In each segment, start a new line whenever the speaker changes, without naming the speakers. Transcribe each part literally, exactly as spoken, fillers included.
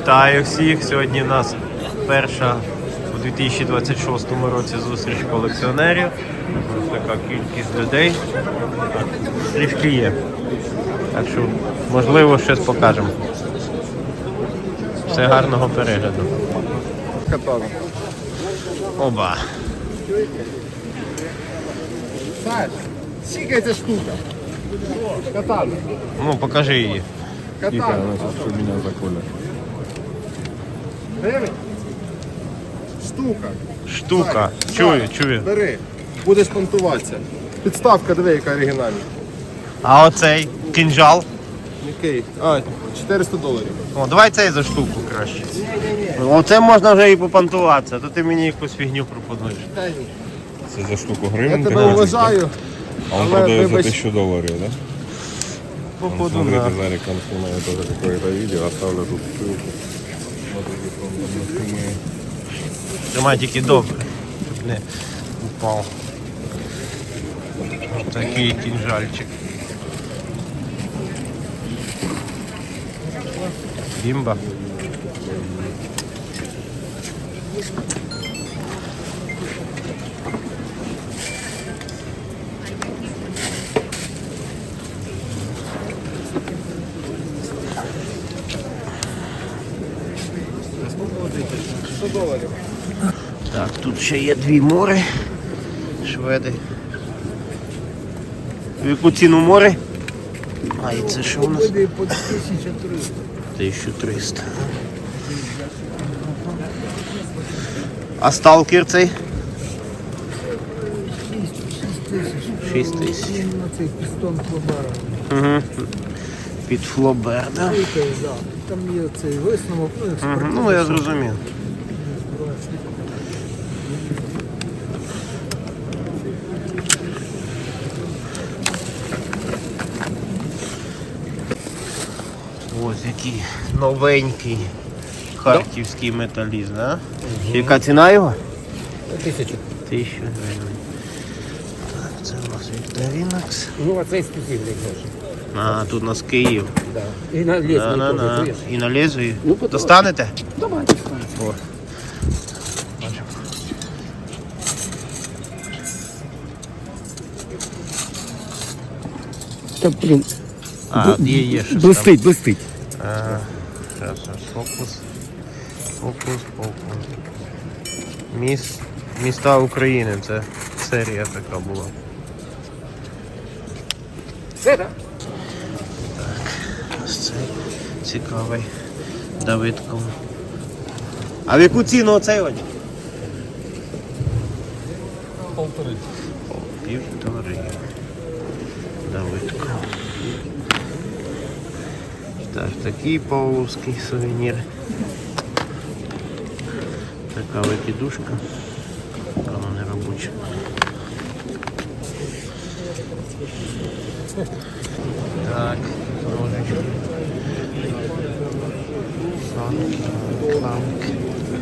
Вітаю всіх! Сьогодні в нас перша у дві тисячі двадцять шостому році зустріч колекціонерів. Ось така кількість людей. Трішки є. Так що, можливо, щось покажемо. Все, гарного перегляду.
Катана.
Оба.
Саш, скільки ця штука? Катана.
Ну, покажи її.
Катана.
Она сейчас что меня заколет.
Гривень? Штука.
Штука.
Саш,
Чую,
Саш,
чую.
Бери. Будеш понтуватися. Підставка, диви, яка оригінальна.
А оцей кинжал?
Який? А, чотириста доларів.
О, давай цей за штуку краще. Оце можна вже і попантуватися, а то ти мені якусь фігню пропонуєш.
Це за штуку
Я
гривень?
тебе
п'ятнадцять,
вважаю.
А он
але,
продает за
вибач,
тысячу долларов, да?
Походу,
Смотрите,
да.
Зарик, он снимает тоже какое-то видео, оставлю тут ссылку. Смотрите, он там снимает.
Тримай тільки добре, щоб не упав. Ось такий кінжальчик. Бімба.
сто доларів.
Так, тут ще є дві мори. Шведи. В яку ціну мори? А, і це що у нас?
По тисяча триста.
тисяча триста. А сталкер цей? шість тисяч.
На цей пістон Флобера.
Угу. Під флобер, да?
Да. Там є цей висновок, ну,
Угу. Ну, я зрозумів. Ось який новенький харківський металіст, да? Яка ціна його?
тисячу.
Тисячу гривень. Так, це у нас Вікторінакс.
Ну, а цей скільки гроші.
А, тут у нас Київ.
Да. І на ліс
Да, на, на.
теж,
І на лезвії.
Ну, потім.
Достанете?
Давай.
О.
Та, блін,
А, є, є щось там.
блистить, блистить.
Ага. Зараз, зараз, фокус. Фокус, фокус. Міс... Міста України. Це серія така була.
Все, так?
Ось цей цікавий Давидко. А в яку ціну оцей одяг?
Полтори.
Півтори. Давидко. Так, такий павловський сувенір. Така викидушка. Вона не робоча. Так, ножички. Санки, кламки.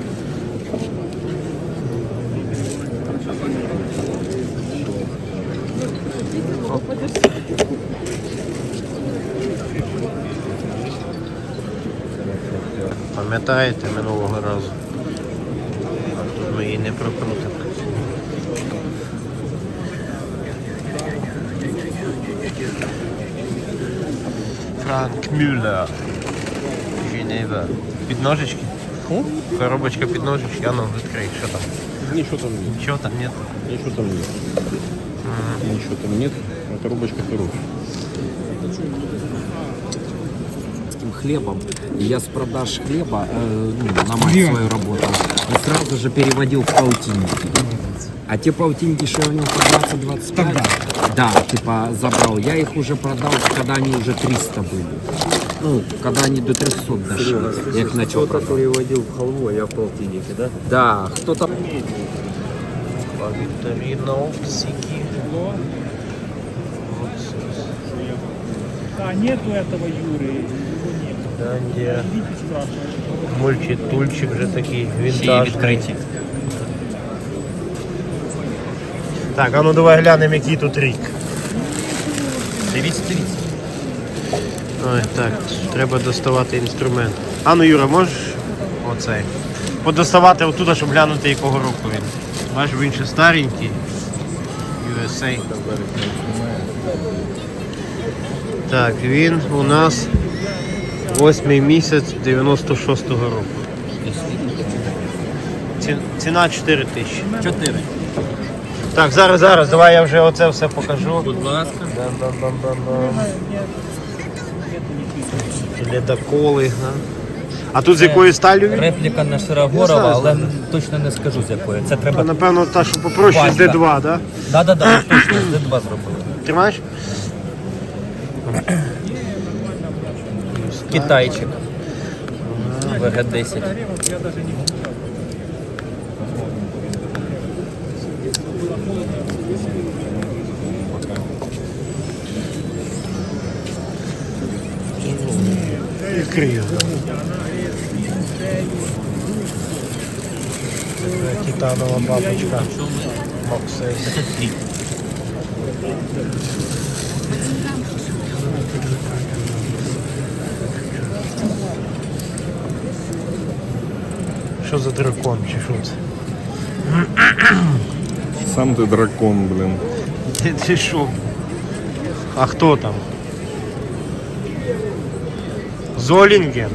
Пам'ятаєте минулого разу? А тут ми її не прокрутимо. Франк Мюллер. Женева. Підножечки? Коробочка підножечки, а ну відкрий, що там?
Ничего там нет.
Нічого там нет?
Ничего там нет. Ничего там нет. А коробочка хорошая.
Хлебом. И я с продаж хлеба э, ну, на мать свою работал. И сразу же переводил в полтинники. А те полтинники, что я у него по двадцать-двадцать пять, да, типа забрал. Я их уже продал, когда они уже триста были. Ну, когда они до трехсот дошли. Я их начал продавать.
переводив в халву, а я в полтинники, да?
Да, кто-то...
Викториновсики.
А нету этого Юры, его нет.
Да, где
Видите, спрашивают.
мультитульчик вже такий вінтажний. Так, а ну давай глянемо, який тут рік. Дивіться, дивіться. Ой, так, треба доставати інструмент. А ну, Юра, можеш оцей. Подоставати отуда, щоб глянути, якого року він. Бачиш, він ще старенький. ю ес ей. Так, він у нас восьмий місяць дев'яносто шостого року. Ці- Ціна чотири тисячі.
Чотири.
Так, зараз, зараз, давай я вже оце все покажу.
Будь ласка.
Ледоколи. Да? А тут з якої сталі він?
Репліка на
Я
Широгорова,
знаю,
але
знаю.
точно не скажу з якої. Це треба.
Напевно, та, що попроще з
Васька.
Д два, так? Да?
Да, да, да, точно з Д два зробили.
Тримаєш?
Китайчик. В Г десять.
Відкрию. Титанова бабочка. Максейс. Що за дракон, чи що це?
Сам ты дракон, блин.
Ти, ти що? А хто там? Золінген.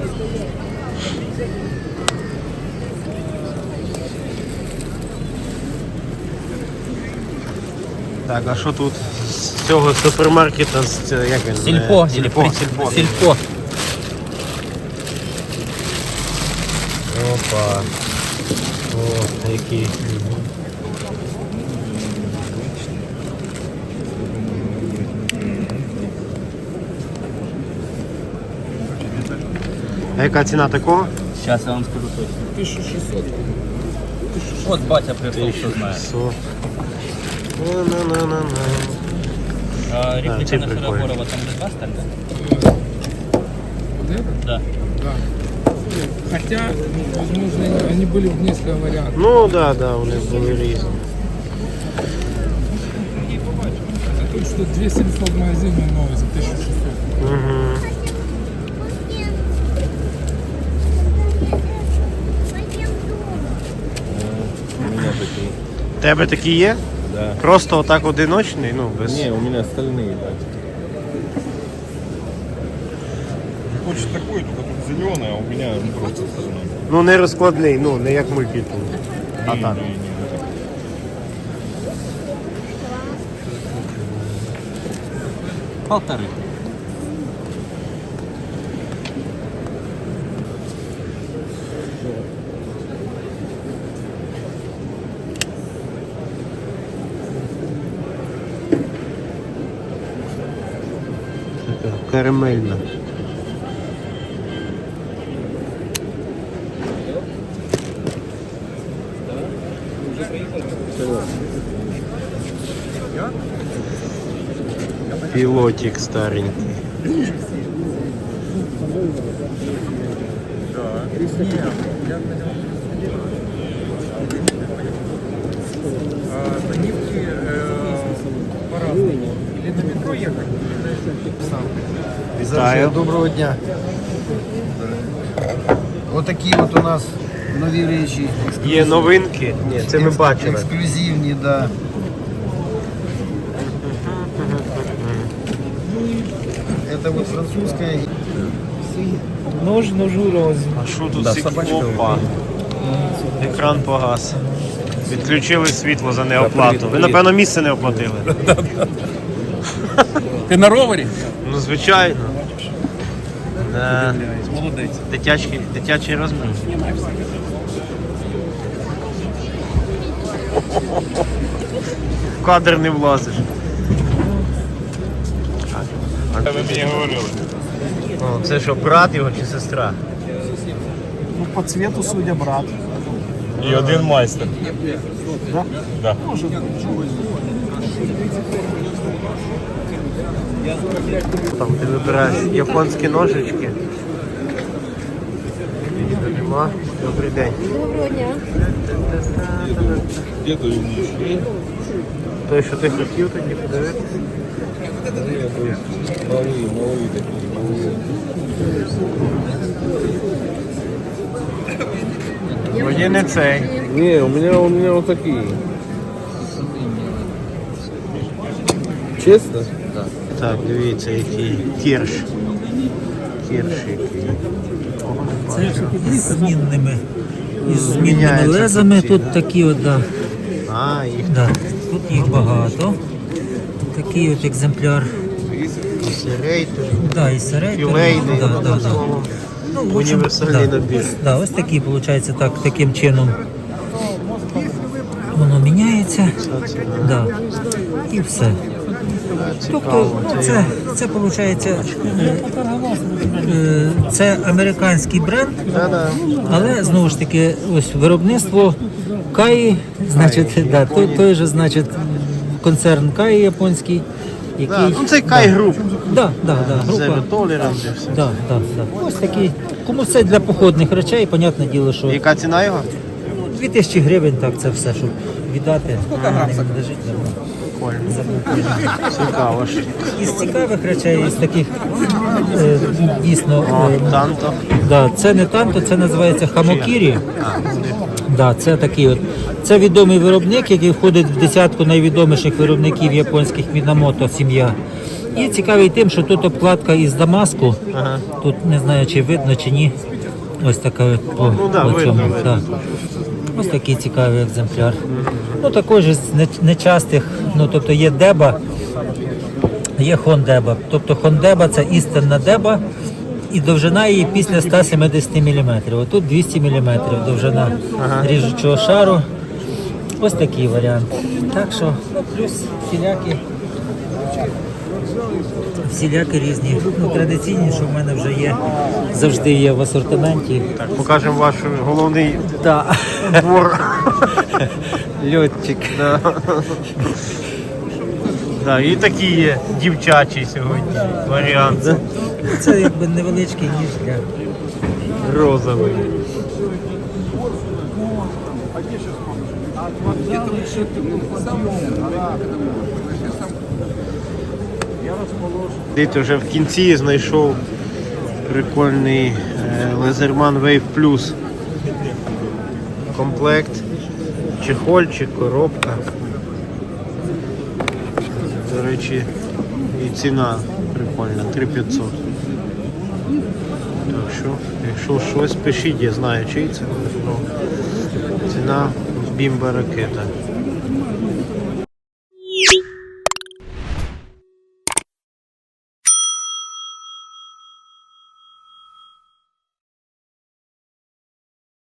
Так, а що тут з цього супермаркета, з цього, як він?
Сільпо.
Е, Сільпо, сільпо.
Сільпо.
Опа. О, який. А яка ціна такого?
Зараз я вам скажу точно. тисяча шістсот. От батя прийшов, хто знає.
шістсот. На-на-на-на-на.
А,
А,
репліка
ці
на
прикольні.
Широгорова там Д два стальна? Да.
Хотя, возможно, они были в несколько вариантов.
Ну да, да, вони були різні.
А тут что две семьсот в магазине новый за тысячу шестьсот.
Угу.
У меня такие.
Тебе такі є?
Да.
Просто отак одиночний, ну без.
Не, у меня остальные, да. Хочешь такой, только тут зеленый, а у меня просто остальной.
Ну не розкладний, ну не як мультитул. А так.
Не, не, не.
Полтори.
Така карамельна. Пилотик старенький. Вітаю.
Доброго дня. Отакі от у нас нові речі.
Є новинки? Ні, це ми бачили.
Ексклюзивні, да. Это вот французская.
Нож, ножу розмір.
А що тут да, опа. Екран погас. Відключили світло за неоплату. Ви, напевно, місце не оплатили.
Ти на ровері?
Ну, звичайно. Да. Молодець. Дитячий, дитячий розмір. В кадр не влазиш.
Ви мені говорили.
О, це що, брат його чи сестра?
Ну, по цвету, судя, брат.
І один майстер.
Да?
Да.
Там ти вибираєш японські ножички. Нема. Добрий день.
Доброго дня.
Де то він?
Той, що ти хотів, тоді подивитися.
Малий, малий такий.
Вроді не цей.
Не, у меня, у меня вот такие. Честно?
Так, дивіться, який кірш. Кірш який.
Це з змінними, із змінними
Міняється
лезами.
тут ці,
Тут такі от, да.
А, їх
Да. Тут їх багато. Такий от екземпляр.
рейтер.
Да, і середній.
Філейний,
Да, да,
одним
да.
словом.
Ну, в общем,
Універсальний
да.
набір.
Да, ось такий, виходить, так, таким чином воно міняється. Да. І все. Тобто, ну, це, це виходить, це американський бренд,
Да-да.
але знову ж таки, ось виробництво Каї, значить, да, той, той же, значить, концерн Каї японський, який...
Да, ну це Кай груп.
Да, да, да, група.
Zero Tolerance і все.
Да, да, да. Ось такий. Кому це для походних речей, понятне діло, що
Яка ціна його?
дві тисячі гривень, так, це все, щоб віддати. Не лежить давно.
Цікаво ж.
Із цікавих речей, із таких е, дійсно.
О,
е,
танто.
Да, це не танто, це називається хамокірі. Да, це такий от. Це відомий виробник, який входить в десятку найвідоміших виробників японських Мінамото сім'я. І цікавий тим, що тут обкладка із Дамаску.
Ага.
Тут не знаю, чи видно, чи ні. Ось така от по,
Ну да,
по
видно,
цьому.
видно.
Да. Ось такий цікавий екземпляр. Ну також із не- нечастих, ну тобто є деба, є хондеба. Тобто хондеба це істинна деба, і довжина її після ста сімдесят міліметрів. Отут двісті міліметрів довжина ріжучого шару. Ось такий варіант. Так що, ну плюс всілякі. Всілякі різні. Ну, традиційні, що в мене вже є, завжди є в асортименті.
Так, покажемо ваш головний
Да.
двор.
Льотчик.
Да. Да, і такі є дівчачі сьогодні варіант.
Це якби невеличкий ніж для.
Розовий. Десь вже в кінці знайшов прикольний е, Лезерман Wave Plus комплект, чехольчик, коробка. До речі, і ціна прикольна, три тисячі п'ятсот. Так що, якщо щось пишіть, я знаю, чий це. Ну, ціна бімба ракета.